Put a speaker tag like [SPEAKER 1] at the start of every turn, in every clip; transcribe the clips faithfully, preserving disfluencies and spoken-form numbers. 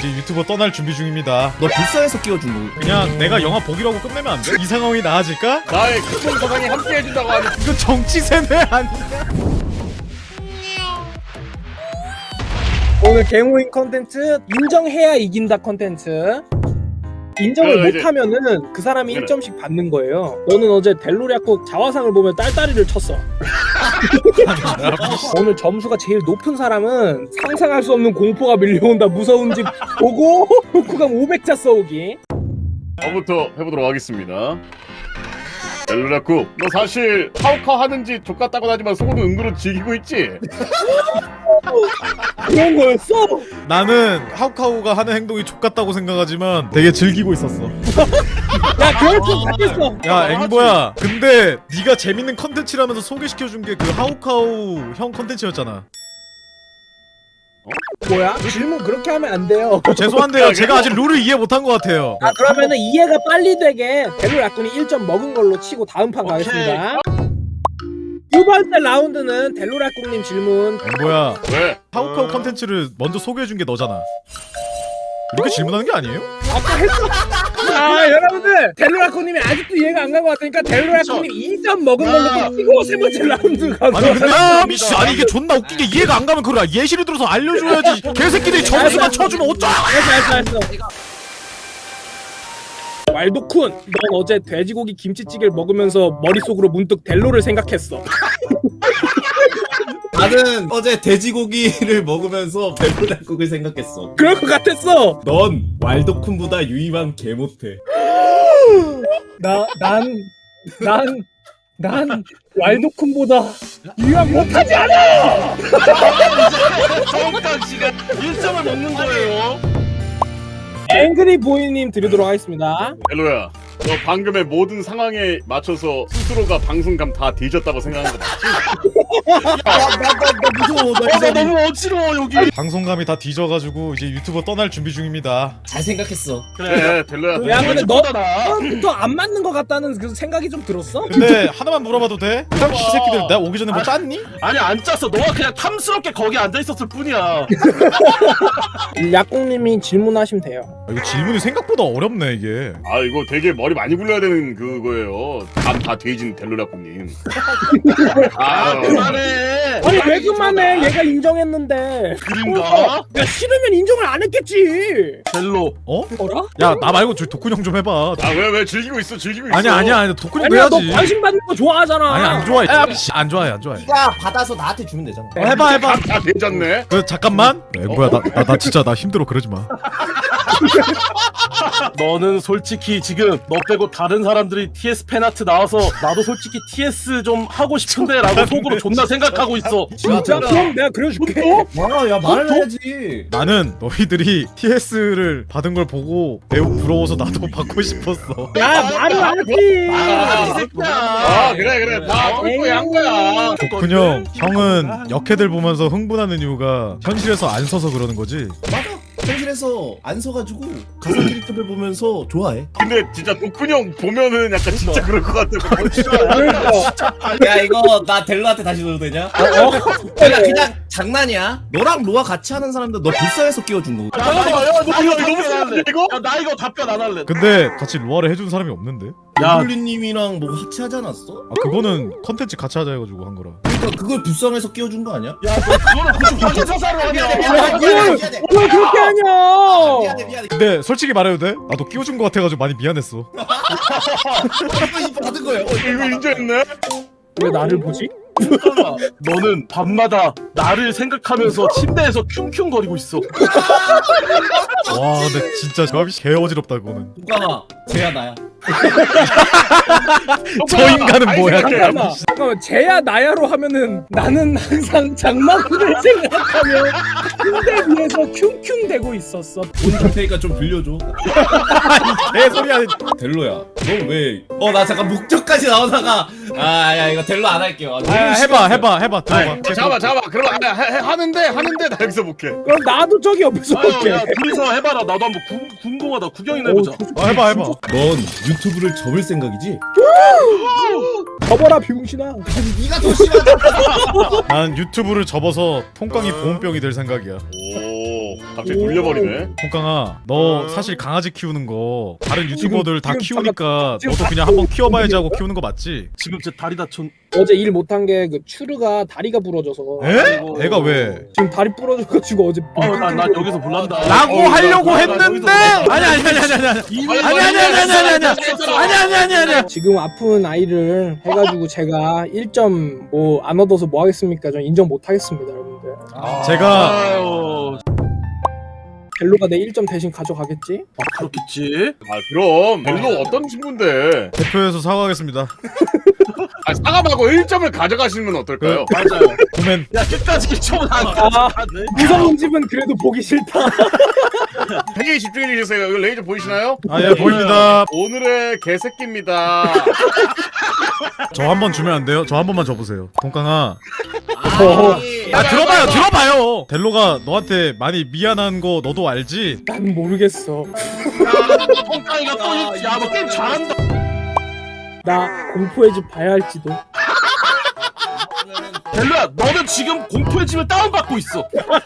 [SPEAKER 1] 이제 유튜버 떠날 준비 중입니다.
[SPEAKER 2] 너 불쌍해서 끼워준 거.
[SPEAKER 1] 그냥 내가 영화 보기라고 끝내면 안 돼? 이 상황이 나아질까?
[SPEAKER 3] 나의 큰봉 사상이 함께 해준다고 하니
[SPEAKER 1] 이거 정치 세뇌 아니야?
[SPEAKER 4] 오늘 개모임 컨텐츠 인정해야 이긴다 컨텐츠. 인정을
[SPEAKER 3] 그래, 이제-
[SPEAKER 4] 못하면은 그 사람이
[SPEAKER 3] 그래.
[SPEAKER 4] 일 점씩 받는 거예요. 너는 어제 델로리아국 자화상을 보면 딸딸이를 쳤어. 오늘 점수가 제일 높은 사람은 상상할 수 없는 공포가 밀려온다 무서운 집 보고 구강 오백 자 써오기.
[SPEAKER 3] 저부터 해보도록 하겠습니다. 델로라쿠, 너 사실 하우카 하는지 족같다고 하지만 속으로 은근히 즐기고 있지?
[SPEAKER 4] 그런 거였어?
[SPEAKER 1] 나는 하우카우가 하는 행동이 족같다고 생각하지만 되게 즐기고 있었어.
[SPEAKER 4] 야 그럴 줄 같았어.
[SPEAKER 1] 야 앵보야, 근데 네가 재밌는 컨텐츠라면서 소개시켜준 게 그 하우카우 형 컨텐츠였잖아.
[SPEAKER 4] 뭐야? 질문 그렇게 하면 안 돼요.
[SPEAKER 1] 어, 죄송한데요, 제가 아직 룰을 이해 못한 것 같아요.
[SPEAKER 4] 아 그러면은 이해가 빨리 되게 델로라군이 일 점 먹은 걸로 치고 다음 판 가겠습니다. 두 번째 라운드는 델로라꿍님 질문.
[SPEAKER 1] 앵보야,
[SPEAKER 3] 왜?
[SPEAKER 1] 하우카우 컨텐츠를 먼저 소개해준 게 너잖아. 이렇게 질문하는 게 아니에요?
[SPEAKER 4] 아까 했어. 자 여러분들 델로라꿍님이 아직도 이해가 안 간 것 같으니까 델로라꿍님 이 점 먹은 걸로 치고 세 번째 라운드 가서.
[SPEAKER 1] 아니 근데 아 미씨, 아니 이게 존나 웃긴 게 이해가 안 가면 그래 예시를 들어서 알려줘야지. 개새끼들이 점수만 쳐주면 어쩌?
[SPEAKER 4] 알았어 알았어 알았어. 왈도쿤, 넌 어제 돼지고기 김치찌개를 먹으면서 머릿속으로 문득 델로를 생각했어.
[SPEAKER 2] 나는 어제 돼지고기를 먹으면서 델로라국을 생각했어.
[SPEAKER 4] 그럴 것 같았어.
[SPEAKER 2] 넌 왈도쿤보다 유이만 개 못해.
[SPEAKER 4] 나, 난, 난, 난 왈도쿤보다 유학 못하지 않아!
[SPEAKER 5] 정확한 시간 일 점을 먹는 거예요.
[SPEAKER 4] 앵그리 보이님 드리도록 하겠습니다.
[SPEAKER 3] 델로야, 너 방금의 모든 상황에 맞춰서 스스로가 방송감 다 뒤졌다고 생각하는 거 맞지?
[SPEAKER 2] 나나 무서워. 나
[SPEAKER 5] 어, 나
[SPEAKER 2] 이제
[SPEAKER 5] 너무 어지러워 여기.
[SPEAKER 1] 방송감이 다 뒤져가지고 이제 유튜버 떠날 준비 중입니다.
[SPEAKER 2] 잘 생각했어.
[SPEAKER 3] 그래, 델로야.
[SPEAKER 4] 야, 근데 너
[SPEAKER 5] 나.
[SPEAKER 4] 처음부터 안 맞는 것 같다는 그 생각이 좀 들었어?
[SPEAKER 1] 근데 하나만 물어봐도 돼? 이 새끼들 내가 오기 전에 뭐 짰니?
[SPEAKER 5] 아니 안 짰어. 너가 그냥 탐스럽게 거기 앉아 있었을 뿐이야.
[SPEAKER 4] 약공님이 질문하시면 돼요.
[SPEAKER 1] 아, 이거 질문이 생각보다 어렵네 이게.
[SPEAKER 3] 아, 이거 되게 머리 많이 굴려야 되는 그거예요. 감 다 뒤진 델로라쿠님.
[SPEAKER 5] 아
[SPEAKER 3] 아,
[SPEAKER 5] 그만해.
[SPEAKER 4] 아니 왜 그만해? 얘가 인정했는데.
[SPEAKER 5] 그린가?
[SPEAKER 4] 야 싫으면 인정을 안 했겠지.
[SPEAKER 5] 델로.
[SPEAKER 1] 어?
[SPEAKER 4] 어라?
[SPEAKER 1] 야 나 말고 저 도쿤 형 좀 해봐.
[SPEAKER 3] 아, 왜, 왜 즐기고 있어, 즐기고 있어.
[SPEAKER 1] 아니야 아니야 아니야 도쿤 형도
[SPEAKER 4] 아니야 너
[SPEAKER 1] 해야지.
[SPEAKER 4] 관심 받는 거 좋아하잖아.
[SPEAKER 1] 아니 안 좋아해. 야, 씨, 안 좋아해 안 좋아해.
[SPEAKER 2] 네가 받아서 나한테 주면 되잖아.
[SPEAKER 1] 어, 해봐 해봐.
[SPEAKER 3] 감 다 뒤졌네.
[SPEAKER 1] 그 잠깐만. 야, 뭐야 나, 나, 나 진짜 나 힘들어 그러지 마.
[SPEAKER 5] 너는 솔직히 지금 너 빼고 다른 사람들이 티에스 팬아트 나와서 나도 솔직히 티에스 좀 하고 싶은데 라고 속으로 존나 생각하고 있어.
[SPEAKER 4] 진짜? 그럼 내가 그려줄게.
[SPEAKER 2] 와, 야 말을 해야지.
[SPEAKER 1] 나는 너희들이 티에스를 받은 걸 보고 매우 부러워서 나도 받고 싶었어.
[SPEAKER 4] 야 말을 하지.
[SPEAKER 5] 아, 이 새끼야.
[SPEAKER 3] 아, 그래, 그래. 다 똘똘이 한 거야.
[SPEAKER 1] 도쿤 형, 형은 역해들 보면서 흥분하는 이유가 현실에서 안 서서 그러는 거지?
[SPEAKER 2] 맞아. 현실에서 안 서가지고 가상 캐릭터를 보면서 좋아해.
[SPEAKER 3] 근데 진짜 도쿤 형 보면은 약간 진짜 그럴 것 같아.
[SPEAKER 4] 그러니까.
[SPEAKER 2] 야 이거 나 델로한테 다시 넣어도 되냐? 어? 그냥 그냥 장난이야. 너랑 로아 같이 하는 사람들 너 불쌍해서 끼워준 거.
[SPEAKER 5] 야, 나 이거,
[SPEAKER 3] 야, 너
[SPEAKER 5] 나
[SPEAKER 3] 이거
[SPEAKER 5] 이거
[SPEAKER 3] 너무
[SPEAKER 5] 답변 안 할래.
[SPEAKER 3] 심한데, 이거?
[SPEAKER 5] 야, 나 이거 답변 안 할래.
[SPEAKER 1] 근데 같이 로아를 해준 사람이 없는데?
[SPEAKER 5] 야,
[SPEAKER 2] 블리님이랑 뭐 같이 하지 않았어?
[SPEAKER 1] 아 그거는 컨텐츠 같이 하자 해가지고 한 거라.
[SPEAKER 2] 그러니까 그걸 불쌍해서 끼워준 거 아니야?
[SPEAKER 5] 야, 너 그거는 굳이 확인 사사로 하냐?
[SPEAKER 4] 야 이걸 왜 그렇게 하냐?
[SPEAKER 2] 미안해 미안해.
[SPEAKER 1] 근데 솔직히 말해도 돼? 나도 끼워준 거 같아가지고 많이 미안했어.
[SPEAKER 2] 이거 받은 거예요. 어,
[SPEAKER 3] 이거 인정했네?
[SPEAKER 4] 왜 나를 보지?
[SPEAKER 5] 너는 밤마다 나를 생각하면서 침대에서 킁킁거리고 있어.
[SPEAKER 1] 와 근데 진짜 조합이 개 어지럽다 그거는.
[SPEAKER 2] 누가 쟤야 나야.
[SPEAKER 1] 저 인간은 뭐야?
[SPEAKER 4] 잠깐만. 잠깐만. 쟤야 나야로 하면은 나는 항상 장마구를 생각하며 침대 위에서 킁킁 대고 있었어.
[SPEAKER 2] 돈 줄 테니까 좀 빌려줘.
[SPEAKER 1] 개소리 아니.
[SPEAKER 2] 델로야. 너 왜? 어 나 잠깐 목적까지 나오다가 아야 이거 델로 안 할게요.
[SPEAKER 1] 아, 해봐 해봐 해봐 들어봐.
[SPEAKER 3] 어, 잠깐만, 잠깐만. 그럼 아, 해, 해, 하는데, 하는데 나 여기서 볼게.
[SPEAKER 4] 그럼 나도 저기 옆에서
[SPEAKER 5] 아유,
[SPEAKER 4] 볼게.
[SPEAKER 5] 야, 둘이서 해봐라. 나도 한번 궁, 궁금하다. 구경이나 해보자.
[SPEAKER 1] 아, 해봐 해봐.
[SPEAKER 2] 넌 유튜브를 접을 생각이지?
[SPEAKER 4] 접어라 병신아.
[SPEAKER 2] 네가 더 심하다.
[SPEAKER 1] 난 유튜브를 접어서 통깡이 보온병이 될 생각이야.
[SPEAKER 3] 오. 오 갑자기 돌려버리네.
[SPEAKER 1] 통깡아, 너 사실 강아지 키우는 거 다른 유튜버들 다
[SPEAKER 4] 지금
[SPEAKER 1] 키우니까
[SPEAKER 4] 지금
[SPEAKER 1] 너도 그냥 한번 키워봐야지 하고 키우는 거 맞지?
[SPEAKER 5] 지금 제 다리 다쳤.
[SPEAKER 4] 어제 일 못한 게 그 추르가 다리가 부러져서
[SPEAKER 1] 에?
[SPEAKER 5] 아이고.
[SPEAKER 1] 애가 왜?
[SPEAKER 4] 지금 다리 부러져가지고 어제
[SPEAKER 5] 어난 난 여기서 몰란다.
[SPEAKER 1] 라고
[SPEAKER 5] 어,
[SPEAKER 1] 하려고
[SPEAKER 5] 나- 나- 나
[SPEAKER 1] 했는데
[SPEAKER 5] 여기서
[SPEAKER 1] 아니 아니 아니 아니 아니 아니
[SPEAKER 5] 이미
[SPEAKER 1] 아니 아니 아니 아니 아니 아니 아니 아니 아니 아니
[SPEAKER 4] 지금 아픈 아이를 해가지고 제가 일 점 뭐 안 얻어서 뭐 하겠습니까? 전 인정 못 하겠습니다, 여러분들.
[SPEAKER 1] 제가
[SPEAKER 5] 아유,
[SPEAKER 4] 벨로가 내 일 점 대신 가져가겠지?
[SPEAKER 5] 그렇겠지.
[SPEAKER 3] 아 그럼 벨로 어떤 친구인데?
[SPEAKER 1] 대표에서 사과하겠습니다.
[SPEAKER 3] 아 사과 말고 일 점을 가져가시는 건 어떨까요?
[SPEAKER 5] 맞아요.
[SPEAKER 1] 보면
[SPEAKER 5] 야 끝까지 일 점은 안
[SPEAKER 4] 아,
[SPEAKER 5] 가져가네.
[SPEAKER 4] 무서운 집은 그래도 보기 싫다.
[SPEAKER 3] 되게 집중해 주세요. 이거 레이저 보이시나요?
[SPEAKER 1] 아 예 보입니다.
[SPEAKER 3] 오늘의 개새끼입니다.
[SPEAKER 1] 저 한 번 주면 안 돼요? 저 한 번만 줘보세요. 동강아.
[SPEAKER 4] 어,
[SPEAKER 1] 아 들어봐요 들어봐요. 델로가 너한테 많이 미안한 거 너도 알지?
[SPEAKER 4] 난 모르겠어.
[SPEAKER 5] 똥강이가 또 있지. 야너 게임 잘한다.
[SPEAKER 4] 나 공포의 집 봐야 할지도.
[SPEAKER 5] 델로야 너는 지금 공포의 집을 다운받고 있어.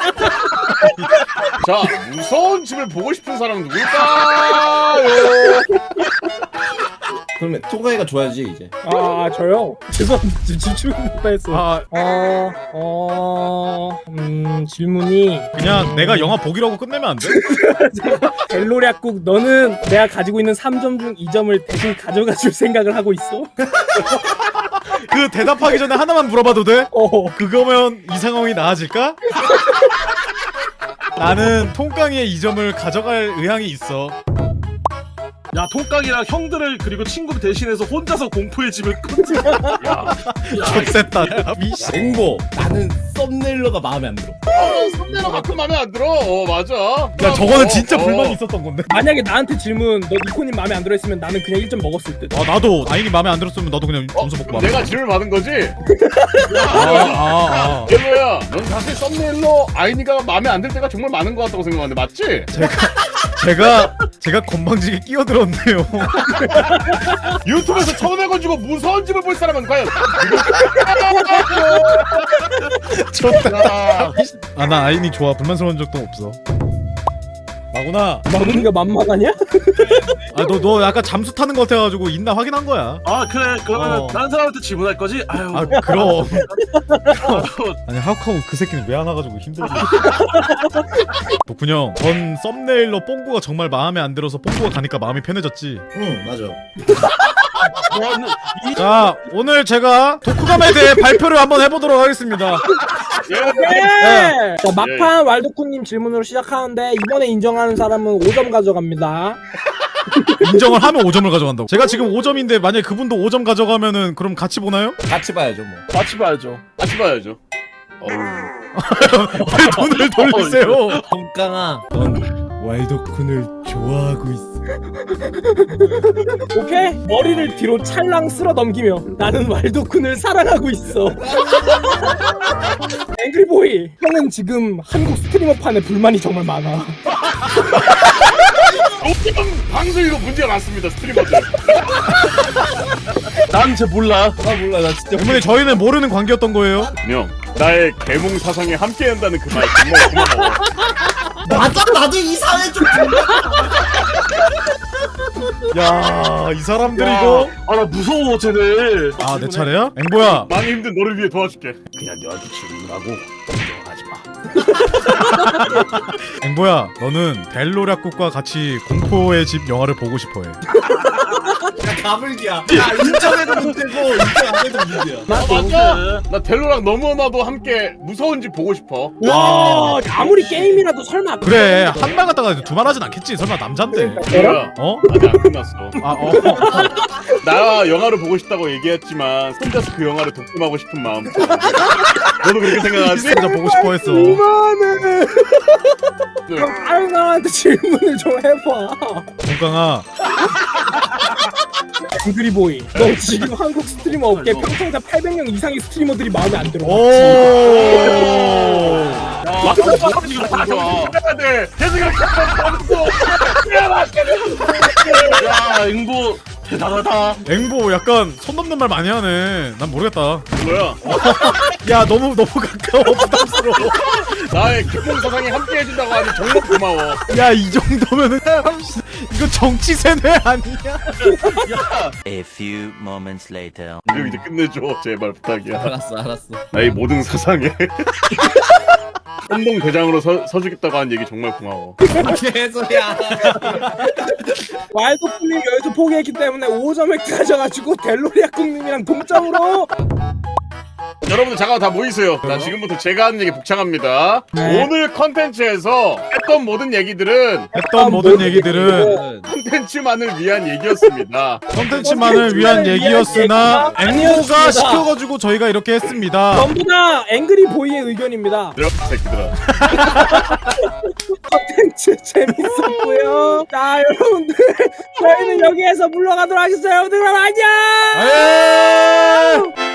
[SPEAKER 3] 자 무서운 집을 보고 싶은 사람은 누굴까요?
[SPEAKER 2] 그러면 토가이가 줘야지 이제.
[SPEAKER 4] 아 저요? 죄송합니다. 지금 집중 못했어.
[SPEAKER 1] 아
[SPEAKER 4] 어, 어, 음, 질문이
[SPEAKER 1] 그냥 내가 영화 보기라고 끝내면 안 돼?
[SPEAKER 4] 벨로략국 너는 내가 가지고 있는 삼 점 중 이 점을 대신 가져가 줄 생각을 하고 있어?
[SPEAKER 1] 그 대답하기 전에 하나만 물어봐도 돼?
[SPEAKER 4] 어,
[SPEAKER 1] 그거면 이 상황이 나아질까? 나는 통깡이의 이 점을 가져갈 의향이 있어.
[SPEAKER 5] 야 통깡이랑 형들을 그리고 친구를 대신해서 혼자서 공포의 집을 끊지.
[SPEAKER 1] 좋겠다. 미씨.
[SPEAKER 2] 앵보 나는 썸네일러가 마음에 안 들어.
[SPEAKER 3] 썸네일러 가끔 마음에 안 들어. 어 맞아.
[SPEAKER 1] 야 저거는 진짜
[SPEAKER 3] 어,
[SPEAKER 1] 불만이
[SPEAKER 3] 어.
[SPEAKER 1] 있었던 건데.
[SPEAKER 4] 만약에 나한테 질문 너 니코님 마음에 안 들어했으면 나는 그냥 일 점 먹었을 듯.
[SPEAKER 1] 아 나도 아인이 마음에 안 들었으면 나도 그냥
[SPEAKER 3] 어?
[SPEAKER 1] 점수 먹고
[SPEAKER 3] 그럼 내가 질문 받은 거지?
[SPEAKER 1] 아아 아.
[SPEAKER 3] 벨로야, 넌 사실 썸네일로 아이니가 마음에 안 들 때가 정말 많은 것 같다고 생각하는데 맞지?
[SPEAKER 1] 제가 제가 건방지게 끼어들었네요.
[SPEAKER 3] 유튜브에서 천 원 가지고 무서운 집을 볼 사람은 과연
[SPEAKER 1] 좋다. 아 나 아인이 좋아. 불만스러운 적도 없어. 마구나.
[SPEAKER 4] 마구니가 만만하냐?
[SPEAKER 1] 아 너 너 약간 잠수 타는 거 같아가지고 있나 확인한 거야.
[SPEAKER 5] 아 그래 그러면
[SPEAKER 1] 어.
[SPEAKER 5] 다른 사람한테 질문할 거지? 아유.
[SPEAKER 1] 아 그럼. 아니 하우카우 그 새끼는 왜 안 와가지고 힘들어. 독분 형, 전 썸네일로 뽕구가 정말 마음에 안 들어서 뽕구가 가니까 마음이 편해졌지.
[SPEAKER 2] 응 맞아.
[SPEAKER 5] 너는 이
[SPEAKER 1] 자 오늘 제가 독후감에 대해 발표를 한번 해보도록 하겠습니다.
[SPEAKER 3] 예.
[SPEAKER 4] 네. 자 막판 왈도쿠님 질문으로 시작하는데 이번에 인정하는 사람은 오 점 가져갑니다.
[SPEAKER 1] 인정을 하면 오 점을 가져간다고. 제가 지금 오 점인데 만약에 그분도 오 점 가져가면은 그럼 같이 보나요?
[SPEAKER 2] 같이 봐야죠 뭐.
[SPEAKER 5] 같이 봐야죠.
[SPEAKER 3] 같이 봐야죠. 어우.
[SPEAKER 1] 왜 돈을 돌리세요?
[SPEAKER 2] 똥강아 넌 왈도쿤을 좋아하고 있어.
[SPEAKER 4] 오케이? 머리를 뒤로 찰랑 쓸어 넘기며 나는 왈도쿤을 사랑하고 있어. 앵그리보이 형은 지금 한국 스트리머판에 불만이 정말 많아.
[SPEAKER 3] 요즘 방송 이거 문제가 많습니다 스트리머들.
[SPEAKER 5] 난 쟤 몰라.
[SPEAKER 2] 아 몰라 나 진짜.
[SPEAKER 1] 때문에 저희는 모르는 관계였던 거예요.
[SPEAKER 3] 형 나의 개몽 사상에 함께한다는 그 말 정말 고마워.
[SPEAKER 2] 맞아 나도 이상해 좀.
[SPEAKER 1] 야, 이 사람들 이거.
[SPEAKER 5] 아나 무서워 쟤네.
[SPEAKER 1] 아, 내 차례야? 앵보야.
[SPEAKER 3] 많이 힘든 너를 위해 도와줄게. 그냥 너한테 질문하고 걱정하지 마.
[SPEAKER 1] 앵보야, 너는 델로략국과 같이 공포의 집 영화를 보고 싶어해.
[SPEAKER 2] 야 가불기야. 야 인정해도 문제고 인정 안 해도 문제야.
[SPEAKER 3] 아 맞아. 나 델로랑 너무나도 함께 무서운 집 보고 싶어.
[SPEAKER 4] 와 아무리 게임이라도 설마
[SPEAKER 1] 그래, 한 말 갖다가 두 말 하진 않겠지. 설마 남잔데.
[SPEAKER 3] 뭐야?
[SPEAKER 1] 어?
[SPEAKER 3] 아직 안 끝났어.
[SPEAKER 1] 아, 어.
[SPEAKER 3] 나 영화를 보고 싶다고 얘기했지만 혼자서 그 영화를 독점하고 싶은 마음. 너도 그렇게 생각하지?
[SPEAKER 1] 진짜 보고 싶어 했어.
[SPEAKER 4] 그만해.
[SPEAKER 3] 네.
[SPEAKER 4] 그럼 다른 사람한테 질문을 좀 해봐.
[SPEAKER 1] 동강아,
[SPEAKER 4] 앵그리보이 너 지금 한국 스트리머 업계 평통자 팔백 명 이상의 스트리머들이 마음에 안 들어.
[SPEAKER 1] 오.
[SPEAKER 5] 야
[SPEAKER 3] 지금
[SPEAKER 5] 지금
[SPEAKER 3] 다
[SPEAKER 5] 좋아.
[SPEAKER 3] 정신 차려야 돼. 계속 이렇게 하면서
[SPEAKER 5] 야 앵보 대단하다.
[SPEAKER 1] 앵보 약간 손 넘는 말 많이 하네. 난 모르겠다.
[SPEAKER 3] 뭐야?
[SPEAKER 1] 야 너무 너무 가까워 부담스러워.
[SPEAKER 3] 나의 기본 사상에 함께 해준다고 하니 정말 고마워.
[SPEAKER 1] 야 이 정도면은 이거 정치 세뇌 아니야?
[SPEAKER 6] A few moments later.
[SPEAKER 3] 이거 이제 끝내줘 제발 부탁이야.
[SPEAKER 2] 알았어 알았어.
[SPEAKER 3] 나의 모든 사상에 선동 대장으로 서, 서주겠다고 한 얘기 정말 고마워.
[SPEAKER 2] 개소리야.
[SPEAKER 4] 와일드풀님 여기서 포기했기 때문에 오 점을 가져가지고 델로리아꿍님이랑 동점으로.
[SPEAKER 3] 여러분들 잠깐 다 모이세요. 자 지금부터 제가 하는 얘기 복창합니다.
[SPEAKER 4] 네.
[SPEAKER 3] 오늘 컨텐츠에서 했던 모든 얘기들은
[SPEAKER 1] 했던 모든 얘기들은
[SPEAKER 3] 컨텐츠만을 위한 얘기였습니다.
[SPEAKER 1] 컨텐츠만을 위한 얘기였으나 앵무가
[SPEAKER 4] 아니었습니다.
[SPEAKER 1] 시켜가지고 저희가 이렇게 했습니다.
[SPEAKER 4] 전부 다 앵그리 보이의 의견입니다.
[SPEAKER 3] 이런 새끼들아.
[SPEAKER 4] 컨텐츠 재밌었고요. 자 여러분들 저희는 여기에서 물러가도록 하겠습니다. 여러분들 그럼 안녕.
[SPEAKER 1] 아예.